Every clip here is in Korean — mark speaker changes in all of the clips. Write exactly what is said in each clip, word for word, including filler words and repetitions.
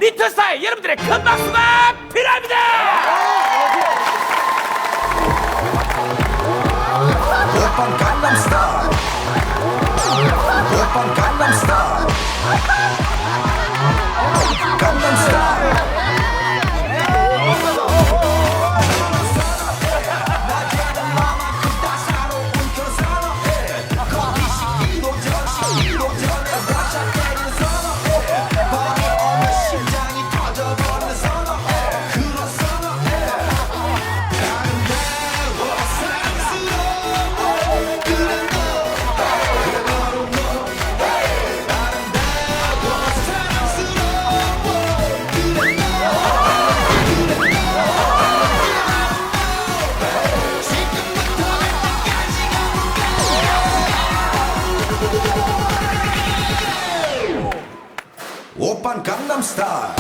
Speaker 1: 리틀 스타일 여러분들의 큰 박수가 필요합니다.
Speaker 2: 오빤 강남스타일 오빤 강남스타일 강남스타일 오빤 강남스타일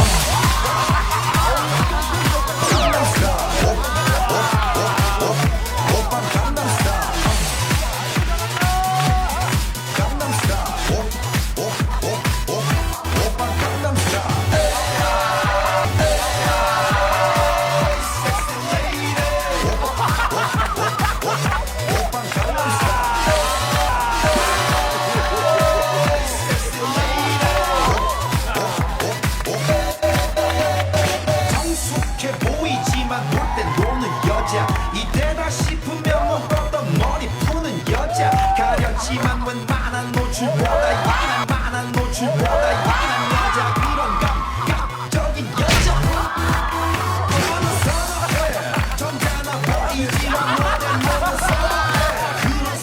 Speaker 2: 이때다 싶으면 묶었던 머리 푸는 여자 가렸지만 웬만한 노출보다 야한 만한 노출보다 야한 여자 그런 감각적인 여자 너는 선어해 점잖아 보이지만 너는 너는 선어해 그런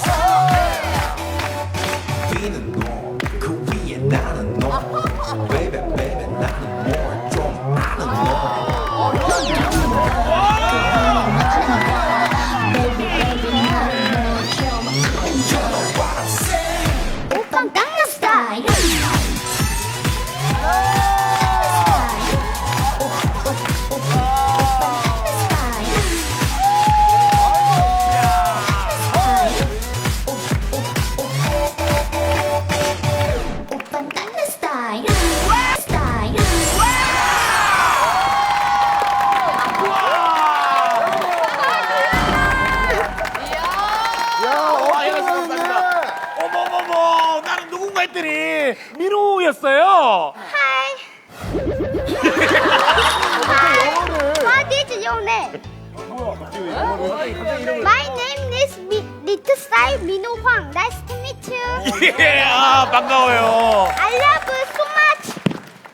Speaker 2: 선어해 위는 너그 위에 나는 너 baby baby 나는 뭘 좀 아는 너
Speaker 1: 어머머머, 나는 누군가 했더니 민우였어요.
Speaker 3: Hi. What is your name? My name is Mi- Little Star Minho Hwang. Nice to meet you.
Speaker 1: 예, 아, 반가워요.
Speaker 3: I love you so much.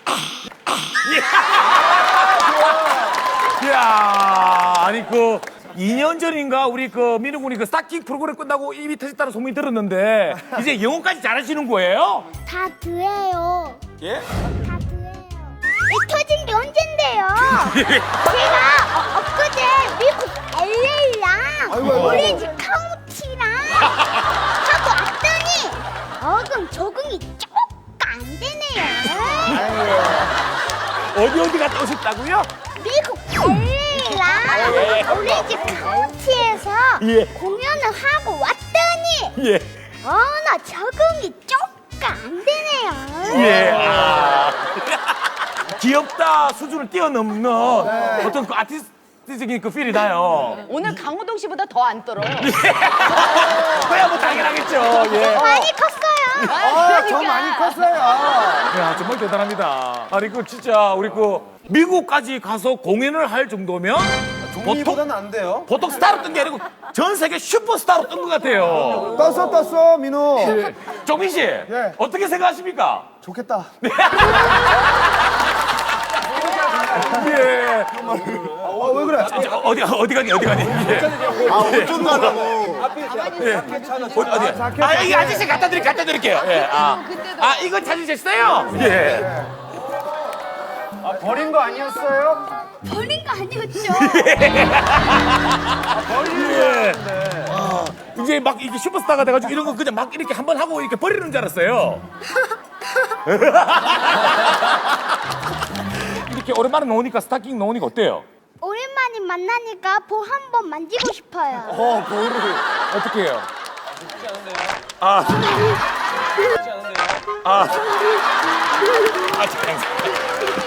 Speaker 1: 이야, 아니 그 이 년 전인가 우리 그 민우 군이 그 스타킹 프로그램 끝나고 입이 터졌다는 소문이 들었는데 이제 영어까지 잘하시는 거예요?
Speaker 3: 다 드예요.
Speaker 1: 예?
Speaker 3: 다 드예요. 이 터진 게 언젠데요? 제가 어, 엊그제 미국 엘에이랑 오렌지 카운티랑 하고 왔더니 어금 적응이 조금 안 되네요.
Speaker 1: 어디 어디 갔다 오셨다고요?
Speaker 3: 미국 엘에이랑 오렌지 카운티에서
Speaker 1: 예.
Speaker 3: 공연을 하고 왔더니
Speaker 1: 예.
Speaker 3: 어나 적응이 조금 안 되네요.
Speaker 1: 예. 아. 귀엽다 수준을 뛰어넘는 어떤 그 아티스트적인 그 필이 나요.
Speaker 4: 오늘 강호동 씨보다 더 안 떨어.
Speaker 1: 그야 뭐 당연하겠죠. 예.
Speaker 3: 많이 컸어요.
Speaker 4: 아,
Speaker 5: 저 많이 컸어요.
Speaker 1: 야, 정말 대단합니다. 아니 그 진짜 우리 그 미국까지 가서 공연을 할 정도면 보통
Speaker 5: 종이보다는 안 돼요.
Speaker 1: 보통 스타로 뜬 게 아니고 전 세계 슈퍼스타로 뜬 것 같아요.
Speaker 5: 떴어 떴어 민우.
Speaker 1: 정민 씨, 어떻게 생각하십니까?
Speaker 5: 좋겠다.
Speaker 1: 예.
Speaker 5: 어, 왜 그래?
Speaker 1: 저, 저, 어디 어디 가니 어디 가니? 예.
Speaker 5: 아 어쩐 가라고.
Speaker 1: 예. 어디 어디? 아 여기 아저씨 갖다 드릴 갖다 드릴게요. 예. 아, 아 이거 찾으셨어요? 예.
Speaker 5: 아, 버린 거 아니었어요?
Speaker 3: 버린 거 아니었죠?
Speaker 1: 예. 아, 이제 막 이게 슈퍼스타가 돼가지고 이런 거 그냥 막 이렇게 한번 하고 이렇게 버리는 줄 알았어요. 이렇게 오랜만에 놓으니까 스타킹 놓으니까 어때요?
Speaker 3: 오랜만에 만나니까 보 한 번 만지고 싶어요.
Speaker 1: 어, 그거를 어떻게 해요? 아, 아, 아, 잠깐.